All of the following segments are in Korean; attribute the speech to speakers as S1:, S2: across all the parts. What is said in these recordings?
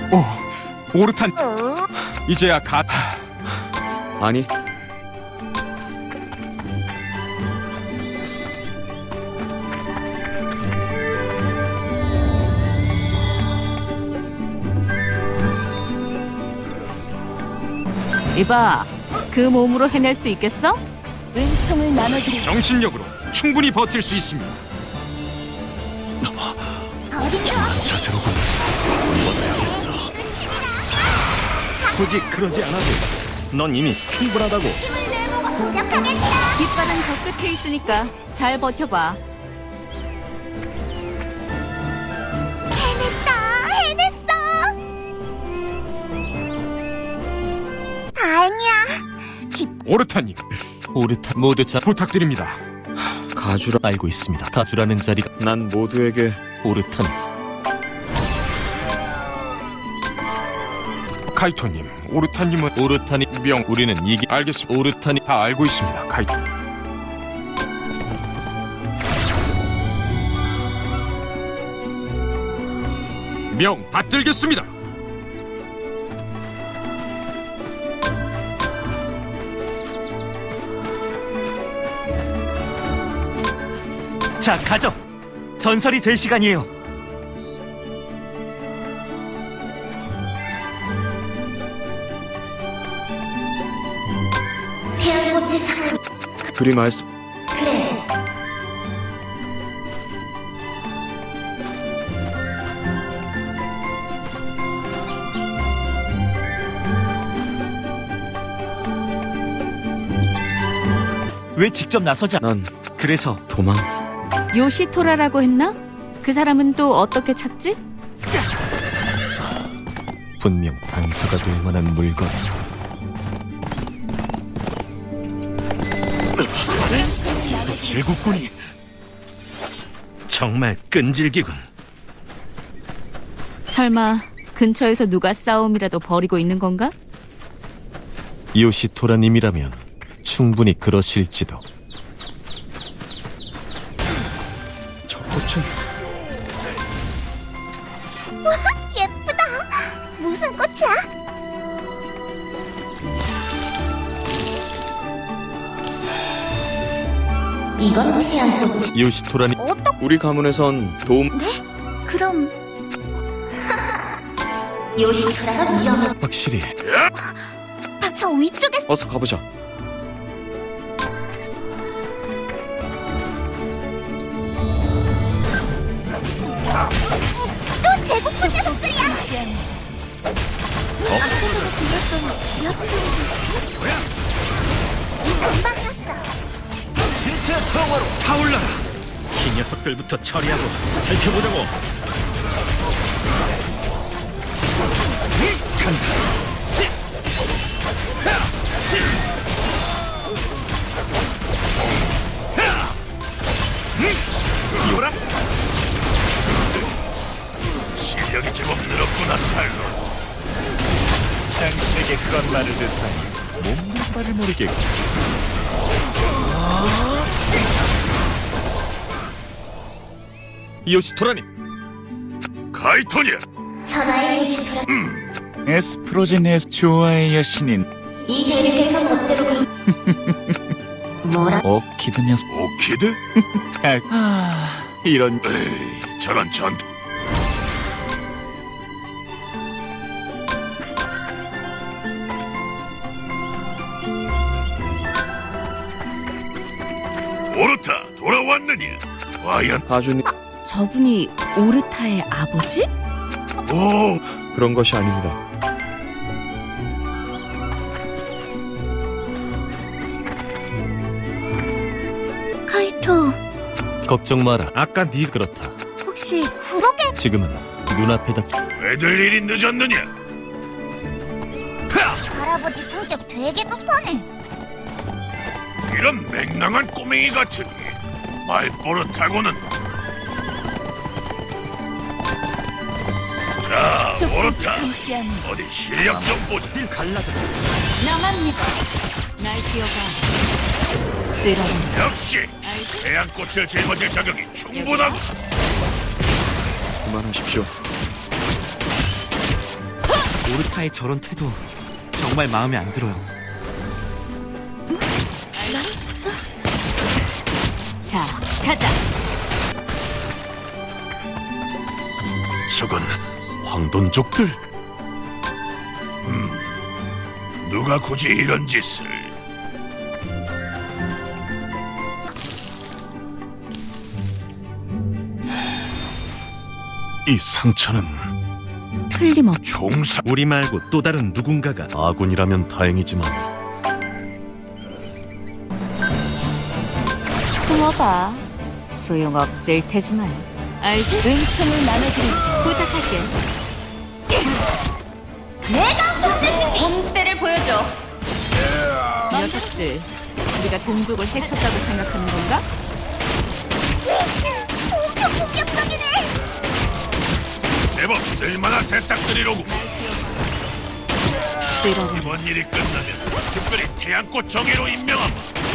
S1: 오, 오르탄. 이제야 가.
S2: 아니,
S3: 이봐, 그 몸으로 해낼 수 있겠어? 은총을 나눠드리.
S1: 정신력으로 충분히 버틸 수 있습니다.
S2: 자세로군. 뻗어야겠어.
S4: 굳이 그러지 않아도 넌 이미 충분하다고.
S3: 깃발은 저 끝에 있으니까 잘 버텨봐.
S5: 해냈어! 다행이야.
S1: 오르탄님,
S4: 오르탄 모두 잘
S1: 부탁드립니다.
S4: 가주라 알고 있습니다. 가주라는 자리가
S2: 난 모두에게
S4: 오르탄.
S1: 카이토님, 오르탄님은
S4: 오르탄이
S1: 명.
S4: 우리는 이기
S1: 알겠습니다.
S4: 오르탄이
S1: 다 알고 있습니다. 카이토. 명 받들겠습니다.
S4: 자 가죠. 전설이 될 시간이에요.
S5: 태양꽃의 상황.
S2: 그리 말씀.
S5: 그래.
S4: 왜 직접 나서자?
S2: 난
S4: 그래서
S2: 도망.
S3: 요시토라라고 했나? 그 사람은 또 어떻게 찾지?
S4: 분명 단서가 될 만한 물건. 제국군이 정말 끈질기군.
S3: 설마 근처에서 누가 싸움이라도 벌이고 있는 건가?
S4: 요시토라님이라면 충분히 그러실지도.
S2: 저 꽃은
S5: 예쁘다. 무슨 꽃이야? 이건 태양꽃이.
S4: 요시토라님
S2: 우리 가문에선 도움.
S5: 그럼 요시토라가 위험해.
S4: 확실히
S5: 저 위쪽에
S2: 어서 가보자.
S5: 또 제국군 녀석들이야. 앞으로 들렸던 지역 소리. 금방이었어.
S4: 진짜 성화로 타올라라. 이 녀석들부터 처리하고 살펴보자고. 간다. 이오라. 실력이 제법 늘었구나, 탈로. 당신에게 그런 말을 듣다니 몸만 말을 모르겠고. 요시토라님. 카이토니야.
S5: 천하의 요시토라.
S6: 에스프로젠에스 좋아의 여신인
S5: 이 대륙에서 멋대로 굴. 뭐라?
S6: 오키드 녀석.
S4: 오키드?
S6: 이런
S4: 에이, 저런 전투. 오르타 돌아왔느냐? 과연
S2: 아주님.
S3: 저분이 오르타의 아버지?
S4: 오
S2: 그런 것이 아닙니다.
S5: 카이토,
S4: 걱정 마라. 아까 네 그렇다.
S5: 혹시 그러게
S4: 지금은 눈앞에 닥.
S1: 왜들 일이 늦었느냐?
S5: 할아버지 성격 되게 급하네.
S1: 이런 맹랑한 꼬맹이 같으니 말버릇하고는. 자, 오르타 어디 실력 좀 보자.
S4: 갈라져.
S3: 나갑니다. 날 기어가. 쓰라린.
S1: 역시 태양꽃을 짊어질 자격이 충분하고.
S2: 그만하십시오.
S7: 오르타의 저런 태도 정말 마음에 안 들어요.
S3: 자, 가자.
S4: 저건 황돈족들.
S1: 누가 굳이 이런 짓을?
S4: 이 상처는
S3: 틀림없.
S1: 종사
S4: 우리 말고 또 다른 누군가가 아군이라면 다행이지만
S3: 숨어봐. 소용없을 테지만. 알지? 은총을 나눠드리지. 부탁할게. 내가 혼내주지. 본때를 보여줘. 이 녀석들, 우리가 동족을 해쳤다고 생각하는 건가?
S5: 엄청 공격적이네.
S1: 제법 쓸만한 새싹들이로고.
S3: 쓸어보니.
S1: 이번 일이 끝나면 특별히 태양꽃 정예로 임명하마.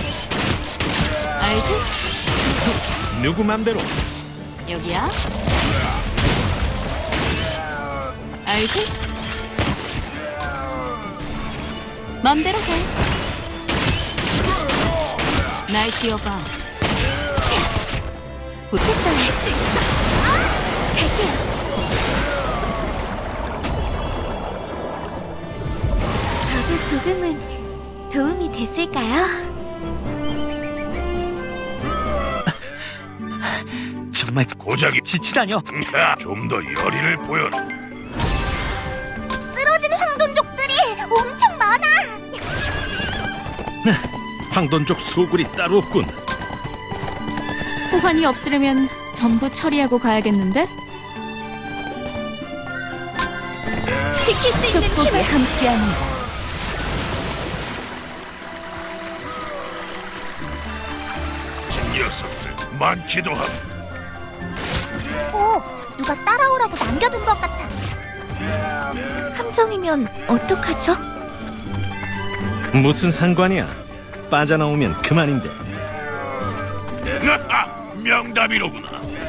S3: 알지?
S4: 누구 맘대로.
S3: 여기야. 알지? 맘대로 해. 날 뛰어봐. 부탁해. 할수 있어. 갈게요.
S5: 저도 조금은 도움이 됐을까요?
S7: 정말
S1: 고작이
S7: 지치다뇨.
S1: 좀 더 열의를 보여라.
S5: 쓰러진 황돈족들이 엄청 많아.
S4: 황돈족 소굴이 따로 없군.
S3: 소환이 없으려면 전부 처리하고 가야겠는데?
S5: 지킬 수 있는
S3: 축복이
S5: 힘을.
S3: 함께합니다.
S1: 녀석들 많기도 하고.
S5: 오, 누가 따라오라고 남겨둔 것 같아. 함정이면 어떡하죠?
S4: 무슨 상관이야? 빠져나오면 그만인데.
S1: 명답이로구나.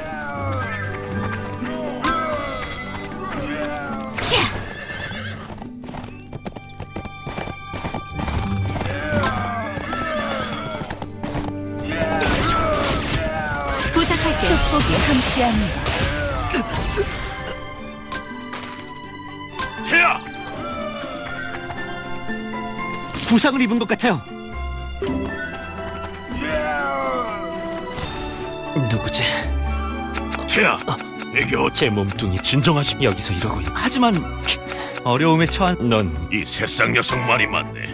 S3: 부탁할게. 축복이 함께합니다.
S1: 태야,
S7: 부상을 입은 것 같아요. 누구지?
S1: 태야, 내게
S7: 제 몸뚱이 진정하시 여기서 이러고 있. 하지만 어려움에 처한 넌
S1: 이 새싹 녀석 말이 맞네.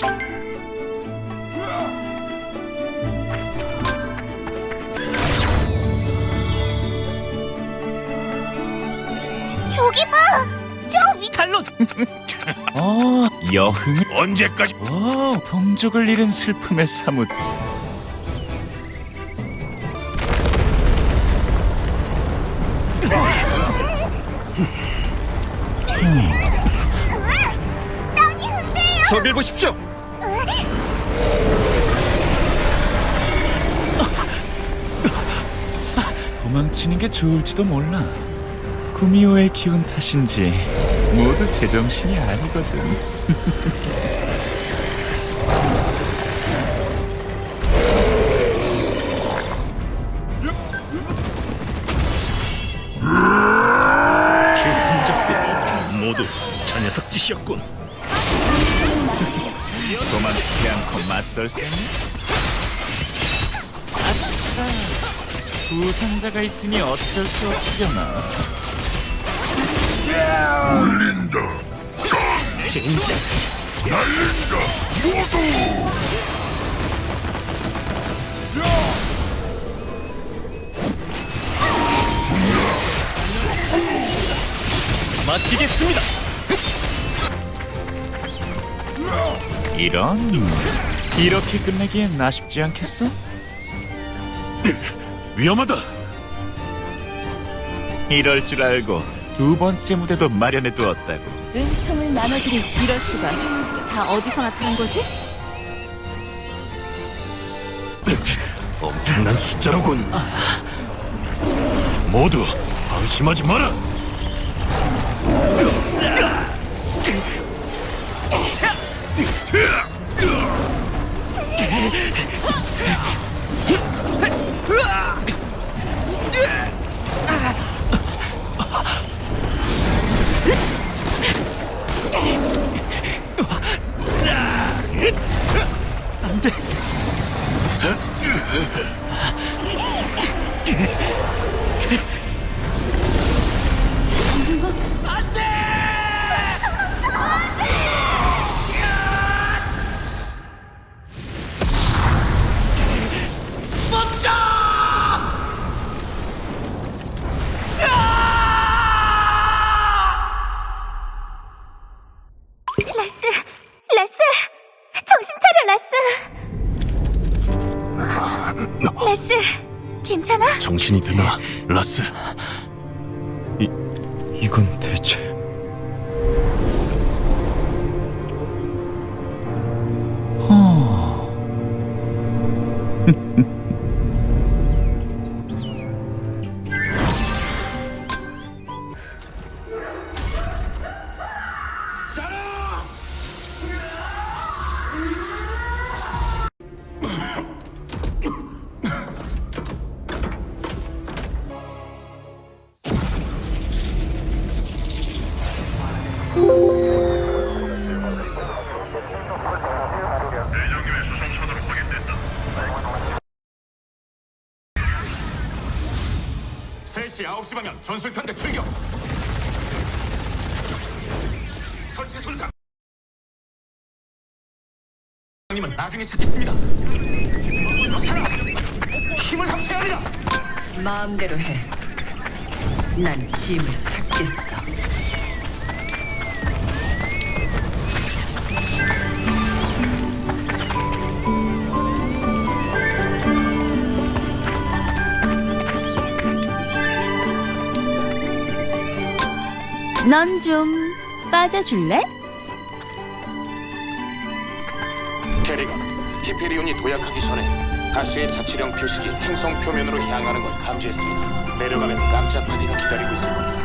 S5: 저기 봐, 저 위.
S7: 탈론.
S6: 여흥을.
S1: 언제까지?
S6: 동족을 잃은 슬픔에 사뭇.
S5: 땅이 흔들려.
S7: 저길 보십시오.
S6: 도망치는 게 좋을지도 몰라. 구미호의 기운 탓인지 모두 제정신이 아니거든.
S4: 그 흔적들 모두 저 녀석 짓이었군.
S6: 도망치지 않고 맞설 셈? 아차, 부상자가 있으니 어쩔 수 없으려나.
S7: 진짜 맡기겠습니다.
S6: 이런, 이렇게 끝내기엔 아쉽지 않겠어?
S4: 위험하다.
S6: 이럴 줄 알고 두 번째 무대도 마련해 두었다고.
S3: 은총을 나눠드리지. 이럴 수가. 다 어디서 나타난 거지?
S4: 엄청난 숫자로군. 모두 방심하지 마라.
S5: 레스! 정신 차려, 레스! 레스, 괜찮아?
S4: 정신이 드나, 라스?
S2: 이건 대체...
S1: 방향 전술편대 출격. 설치 손상. 님은 나중에 찾겠습니다. 사람, 힘을 합쳐야 합니다.
S8: 마음대로 해. 난 짐을 찾겠어.
S3: 넌 좀 빠져줄래?
S9: 캐리건, 히페리온이 도약하기 전에 다수의 자치령 표식이 행성 표면으로 향하는 걸 감지했습니다. 내려가면 깜짝 파티가 기다리고 있을 겁니다.